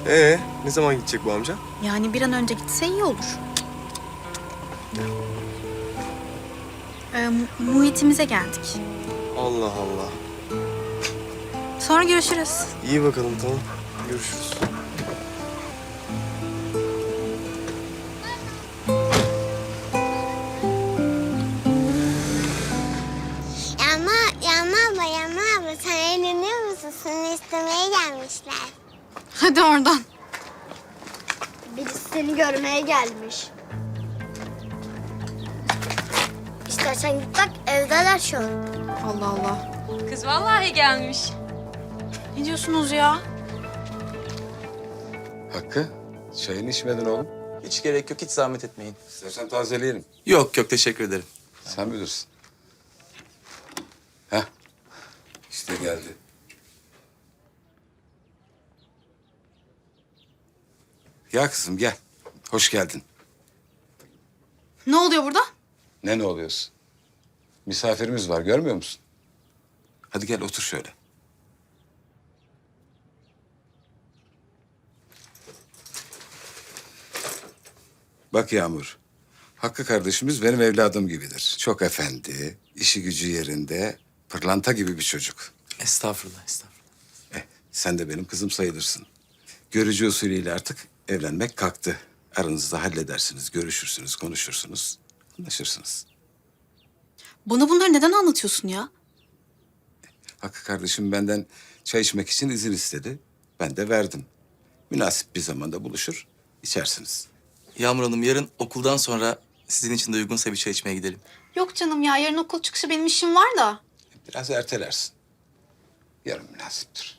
Ne zaman gidecek bu amca? Yani bir an önce gitse iyi olur. Muhitimize geldik. Allah Allah. Sonra görüşürüz. İyi bakalım, tamam. Görüşürüz. Yağmur abla sen eğleniyor musun? Seni istemeye gelmişler. Hadi oradan. Birisi seni görmeye gelmiş. İstersen git bak, evdeler şu an. Allah Allah. Kız vallahi gelmiş. Ne diyorsunuz ya? Hakkı, çayını içmedin oğlum. Hiç gerek yok, hiç zahmet etmeyin. İstersen tazeleyelim. Yok yok, teşekkür ederim. Sen bilirsin. Heh, işte geldi. Ya kızım gel. Hoş geldin. Ne oluyor burada? Ne oluyorsun? Misafirimiz var, görmüyor musun? Hadi gel otur şöyle. Bak Yağmur, Hakkı kardeşimiz benim evladım gibidir. Çok efendi, işi gücü yerinde, pırlanta gibi bir çocuk. Estağfurullah, estağfurullah. Sen de benim kızım sayılırsın. Görücü usulüyle artık evlenmek kalktı. Aranızda halledersiniz, görüşürsünüz, konuşursunuz, anlaşırsınız. Bana bunları neden anlatıyorsun ya? Hakkı kardeşim benden çay içmek için izin istedi. Ben de verdim. Münasip bir zamanda buluşur, içersiniz. Yağmur Hanım, yarın okuldan sonra sizin için de uygunsa bir çay içmeye gidelim. Yok canım ya, yarın okul çıkışı benim işim var da. Biraz ertelersin. Yarın münasiptir.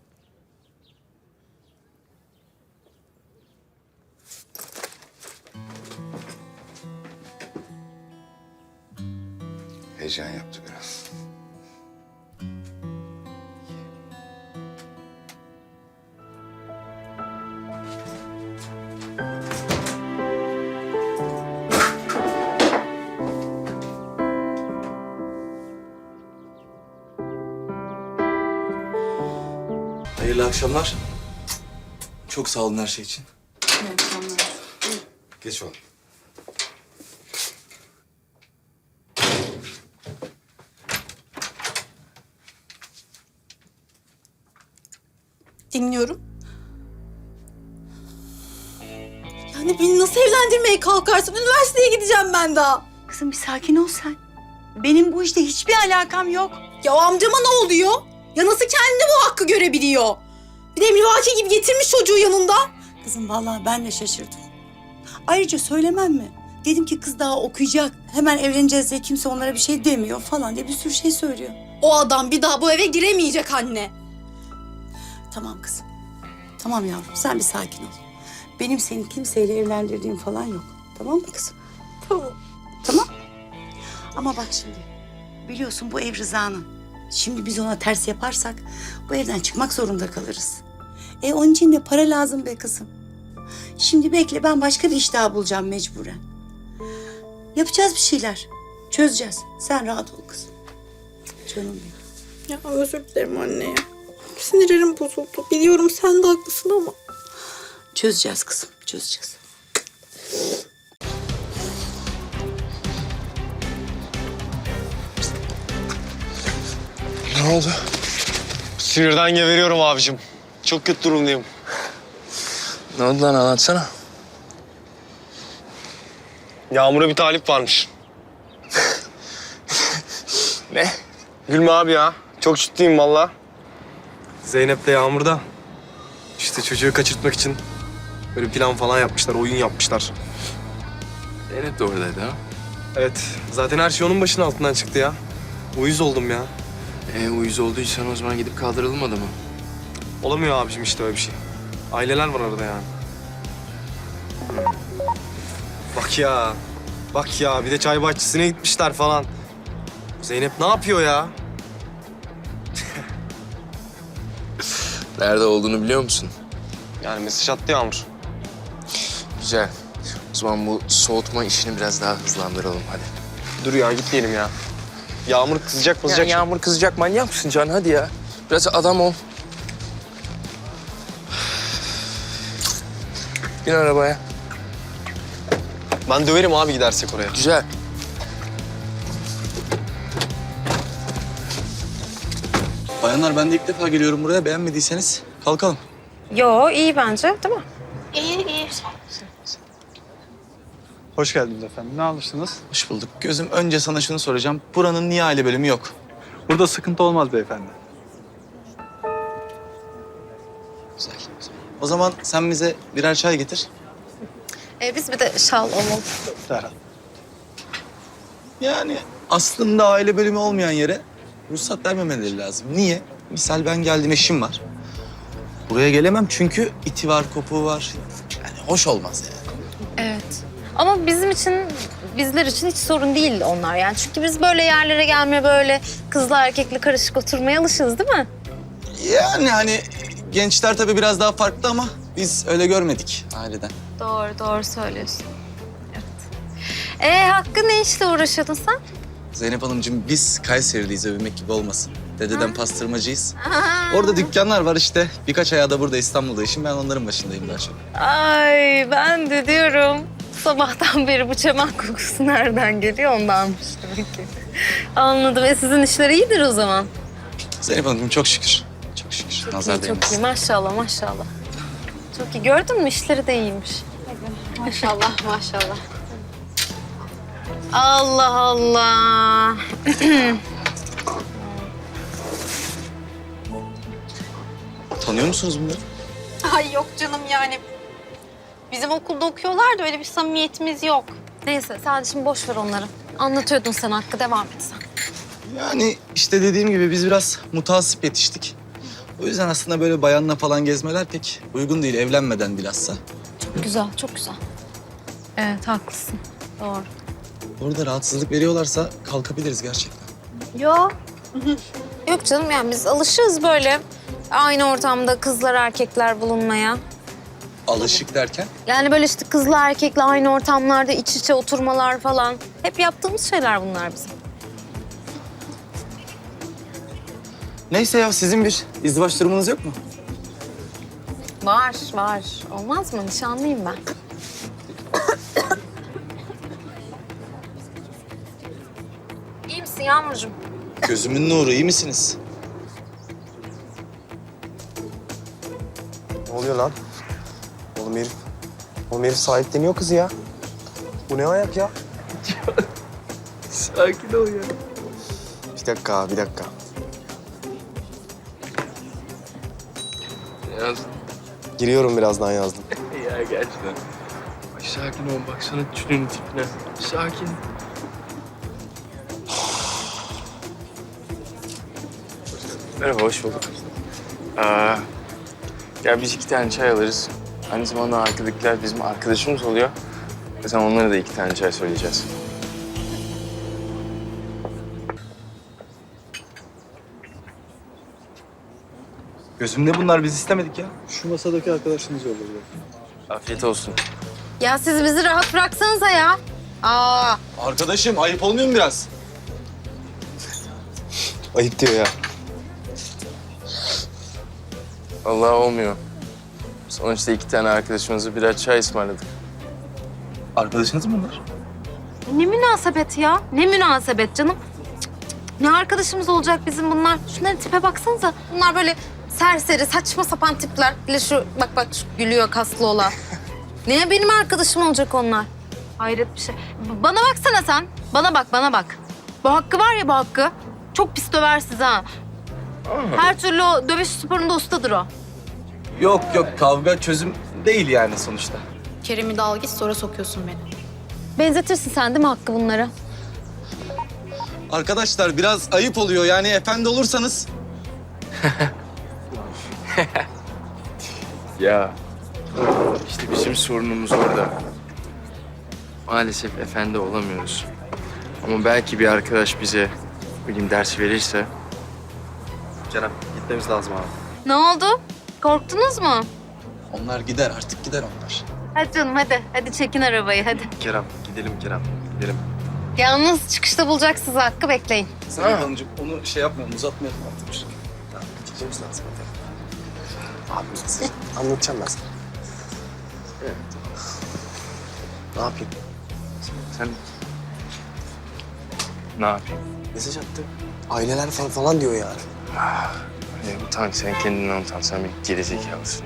Heyecan yaptı biraz. Hayırlı akşamlar. Çok sağ olun her şey için. Geç oğlum. Dinliyorum. Yani beni nasıl evlendirmeye kalkarsın? Üniversiteye gideceğim ben daha. Kızım bir sakin ol sen. Benim bu işte hiçbir alakam yok. Ya amcama ne oluyor? Ya nasıl kendini bu hakkı görebiliyor? Bir de emrivaki gibi getirmiş çocuğu yanında. Kızım vallahi ben de şaşırdım. Ayrıca söylemem mi? Dedim ki kız daha okuyacak. Hemen evleneceğiz diye kimse onlara bir şey demiyor falan diye bir sürü şey söylüyor. O adam bir daha bu eve giremeyecek anne. Tamam kızım. Tamam yavrum sen bir sakin ol. Benim seni kimseyle evlendirdiğim falan yok. Tamam mı kızım? Tamam. Tamam. Ama bak şimdi. Biliyorsun bu ev Rıza'nın. Şimdi biz ona ters yaparsak bu evden çıkmak zorunda kalırız. Onun için de para lazım be kızım. Şimdi bekle ben başka bir iş daha bulacağım mecburen. Yapacağız bir şeyler. Çözeceğiz. Sen rahat ol kızım. Canım benim. Ya özür dilerim anne ya. Sinirlerim bozuldu. Biliyorum sen de haklısın ama. Çözeceğiz kızım. Çözeceğiz. Ne oldu? Sinirden geberiyorum abicim. Çok kötü durumdayım. Ne oldu lan, anlatsana. Yağmur'a bir talip varmış. Ne? Gülme abi ya. Çok ciddiyim valla. Zeynep de Yağmur'da. İşte çocuğu kaçırtmak için böyle plan falan yapmışlar, oyun yapmışlar. Zeynep de oradaydı ha. Evet, zaten her şey onun başının altından çıktı ya. Uyuz oldum ya. Uyuz olduysan o zaman gidip kaldıralım adamı. Olamıyor abicim işte öyle bir şey. Aileler var arada yani. Bak ya. Bak ya, bir de çay bahçesine gitmişler falan. Zeynep ne yapıyor ya? Nerede olduğunu biliyor musun? Yani mesaj attı Yağmur. Güzel. O zaman bu soğutma işini biraz daha hızlandıralım hadi. Dur ya, gitmeyelim ya. Yağmur kızacak Ya mızacak. Yağmur kızacak, manyak mısın Can? Hadi ya. Biraz adam ol. Bin arabaya. Ben döverim abi gidersek oraya. Güzel. Bayanlar ben de ilk defa geliyorum buraya. Beğenmediyseniz kalkalım. Yo iyi bence değil mi? İyi iyi. Hoş geldiniz efendim. Ne alırsınız? Hoş bulduk. Gözüm önce sana şunu soracağım. Buranın niye aile bölümü yok? Burada sıkıntı olmaz beyefendi. Güzel. O zaman sen bize birer çay getir. Biz bir de şal olmalı. Derhal. Yani aslında aile bölümü olmayan yere ruhsat vermemeleri lazım. Niye? Misal ben geldim, eşim var. Buraya gelemem çünkü iti var, kopuğu var. Yani hoş olmaz yani. Evet. Ama bizler için hiç sorun değil onlar yani. Çünkü biz böyle yerlere gelmeye böyle kızla erkekli karışık oturmaya alışığız değil mi? Yani hani gençler tabii biraz daha farklı ama biz öyle görmedik aileden. Doğru söylüyorsun. Evet. Hakkı ne işle uğraşıyordun sen? Zeynep Hanımcığım biz Kayseriliyiz, övünmek gibi olmasın. Dededen pastırmacıyız. Orada dükkanlar var işte. Birkaç ayağı da burada İstanbul'da işim. Ben onların başındayım daha çok. Ay ben de diyorum. Sabahtan beri bu çaman kokusu nereden geliyor ondanmış demek ki. Anladım. Sizin işler iyidir o zaman. Zeynep Hanımcığım çok şükür. Çok şükür. Nazar Çok iyi değmesin. maşallah. Çok iyi. Gördün mü işleri de iyiymiş. Maşallah. Allah Allah. Tanıyor musunuz bunları? Ay yok canım yani. Bizim okulda okuyorlar da öyle bir samimiyetimiz yok. Neyse sen şimdi boş ver onları. Anlatıyordun sen Hakkı devam et sen. Yani işte dediğim gibi biz biraz mutasip yetiştik. O yüzden aslında böyle bayanla falan gezmeler pek uygun değil. Evlenmeden bilhassa. Çok güzel. Evet haklısın. Doğru. Orada rahatsızlık veriyorlarsa kalkabiliriz gerçekten. Yok. Yok canım yani biz alışığız böyle aynı ortamda kızlar erkekler bulunmaya. Alışık derken? Yani böyle işte kızla erkekle aynı ortamlarda iç içe oturmalar falan. Hep yaptığımız şeyler bunlar bizim. Neyse ya sizin bir izdivaç durumunuz yok mu? Var. Olmaz mı? Nişanlıyım ben. İyi misin Yağmurcuğum? Gözümün nuru, iyi misiniz? Ne oluyor lan? Oğlum herif sahipleniyor kızı ya. Bu ne ayak ya? Sakin ol ya. Bir dakika. Yaz. Giriyorum birazdan yazdım. Ya gerçekten. Ay sakin ol baksana tünün tipine. Sakin. Merhaba, hoş bulduk. Ya biz 2 tane çay alırız. Aynı zamanda arkadakiler bizim arkadaşımız oluyor. Ve sen onlara da 2 tane çay söyleyeceğiz. Gözümde bunlar biz istemedik ya. Şu masadaki arkadaşınız yolladı. Afiyet olsun. Ya siz bizi rahat bıraksanıza ya. Arkadaşım ayıp olmuyor mu biraz? Ayıp diyor ya. Vallahi olmuyor. Sonuçta 2 tane arkadaşımıza birer çay ısmarladık. Arkadaşınız mı bunlar? Ne münasebet ya? Ne münasebet canım? Cık, cık, cık. Ne arkadaşımız olacak bizim bunlar? Şunların tipe baksanıza. Bunlar böyle serseri, saçma sapan tipler. Bir şu bak şu gülüyor kaslı olan. Niye benim arkadaşım olacak onlar? Hayret bir şey. Bana baksana sen. Bana bak. Bu Hakkı var ya bu Hakkı. Çok pis döver sizi ha. Her türlü o dövüş sporunda ustadır o. Yok kavga çözüm değil yani sonuçta. Kerem'i de al git sonra sokuyorsun beni. Benzetirsin sen değil mi Hakkı bunları? Arkadaşlar biraz ayıp oluyor yani efendi olursanız. Ya işte bizim sorunumuz orada. Maalesef efendi olamıyoruz. Ama belki bir arkadaş bize bileyim ders verirse. Kerem gitmemiz lazım abi. Ne oldu? Korktunuz mu? Onlar gider artık gider onlar. Hadi canım hadi. Hadi çekin arabayı hadi. Kerem gidelim. Yalnız çıkışta bulacak sizi Hakkı bekleyin. Zeynep Hanımcığım onu şey yapmayalım uzatmayalım artık. Gitmemiz lazım. Abi anlatacağım ben sana. Ne yapayım? Sen ne yapayım? Mesaj attı. Aileler falan diyor ya. Utan, sen kendinden utan. Sen bir gerizekalısın.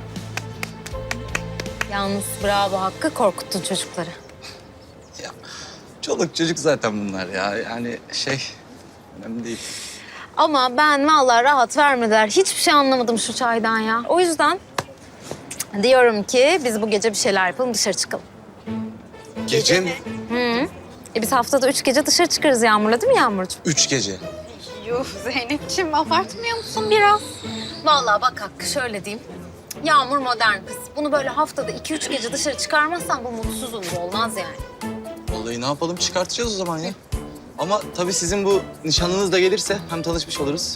Yalnız bravo Hakkı, korkuttun çocukları. Ya çoluk çocuk zaten bunlar ya. Yani önemli değil. Ama ben vallahi rahat vermediler. Hiçbir şey anlamadım şu çaydan ya. O yüzden diyorum ki biz bu gece bir şeyler yapalım, dışarı çıkalım. Gece mi? Biz haftada 3 gece dışarı çıkarız Yağmur'la, değil mi Yağmurcuğum? 3 gece. Yuh Zeynep'ciğim abartmıyor musun biraz? Vallahi bak Hakkı, şöyle diyeyim. Yağmur modern kız. Bunu böyle haftada 2-3 gece dışarı çıkarmazsan bu mutsuz olur, olmaz yani. Vallahi ne yapalım, çıkartacağız o zaman ya. Ama tabii sizin bu nişanlınız da gelirse hem tanışmış oluruz.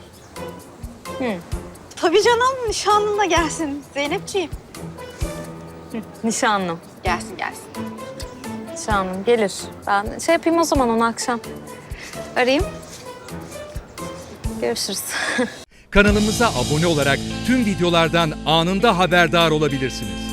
Tabii canım nişanlın da gelsin Zeynep'ciğim. Nişanlım. Gelsin gelsin. Nişanlım gelir. Ben yapayım o zaman onu akşam. Arayayım. Görüşürüz. Kanalımıza abone olarak tüm videolardan anında haberdar olabilirsiniz.